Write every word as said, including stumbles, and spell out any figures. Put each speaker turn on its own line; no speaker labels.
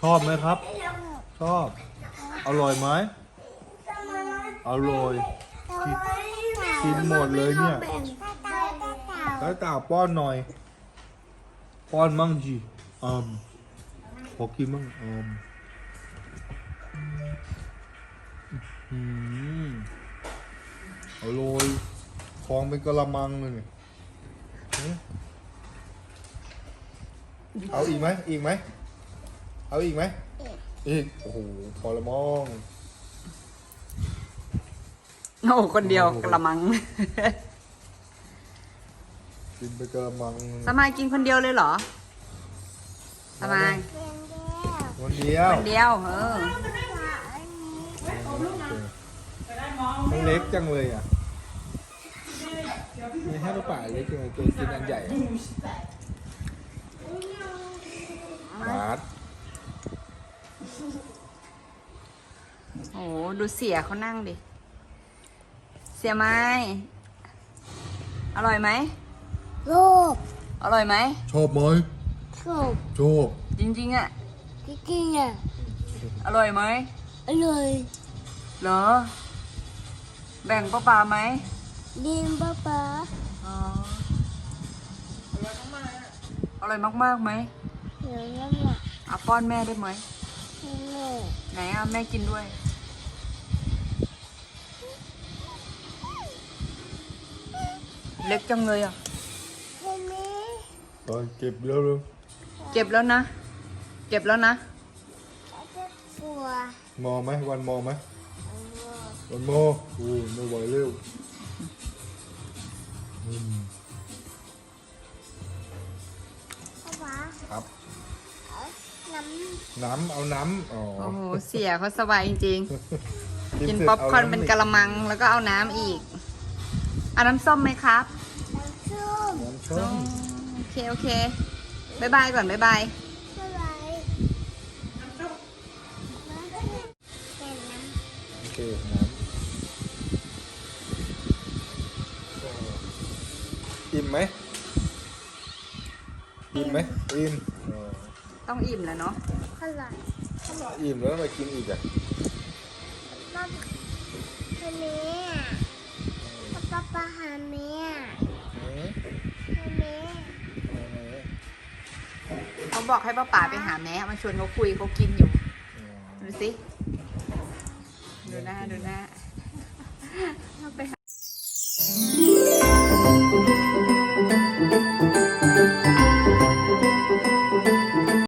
อบไหมครับ ชอบ อร่อยไหมอร่อยกินหมดเลยเนี่ยแล้วตาป้อนหน่อยป้อนมั่งจีอืมขอกินมั่งอืมอืมอร่อยฟองเป็นกะละมังเลยเนี่ยเอาอีกไหมอีกไหมเอาอีกไหมอีกโอ้โหพอละมอง
โอ้คนเดียวกระมัง
กินไปกระมัง
สมายกินคนเดียวเลยเหรอสมาย
คนเดียว
คนเดียวเออ
มันเล็กจังเลยอ่ะไม่ให้ลูกป่าเล็กจังเลยตัวกินอันใหญ่บาส
โอ้ดูเสียเขานั่งดิเสียไหมอร่อยไหม
โลก
อร่อยไหม
ชอบไหม
โลก
ชอบ
จริงๆอ่ะ
จริงๆอ่ะ
อร่อยไหม
อร่อย
เหรอแบ่งป้าปาไหม
ดีมป้าป๊า
อ๋ออร่อยมากๆไหม
เดี๋ยวนั่นแหละ
อ่ะป้อนแม่ได้ไหม
แม่
ไหนอ่ะแม่กินด้วย เล็กจังเลยอ่ะ
เห็นไหม
ตอนเก็บแล้วเลย
เก็บแล้วนะ เก็บแล้วนะ
จะปัว
มอไหมวันมอไหมวันมอโอ้ไม่ไหวเร็วอืม
ป้าป๊า
ครับ
เอาน้
น้ำเอาน้ำอ๋อ
โอ้โหเสียเขาสบายจริงๆ กิน
เสร็จ
ป๊อปคอร์น
าำ
เป็นกะละมังแล้วก็เอาน้ำอีกเอาน้ำส้มไหมครับ
ำน้ำส้ม
น้ำส้ม
โอเคโอเคบายบายก่อนบายบาย
อะไรน้ำส้มน้ำเป็นน้ำ
โอเคน้ำอิ่มไหมอิ่มไหมอิ่มอ๋อ
ต้องอิ่มแล้วเนาะ
อร่อย
อิ่มแล้วทำไมกินอีกอ่ะ
ป้าหาแม่ป้าป้าป้าหาแม่
อืม
หาแม่
เขาบอกให้ป้าป๋าไปหาแม่มาชวนเขาคุยเขากินอยู่ ดูสิ ดูหน้า ดูหน้าไปหา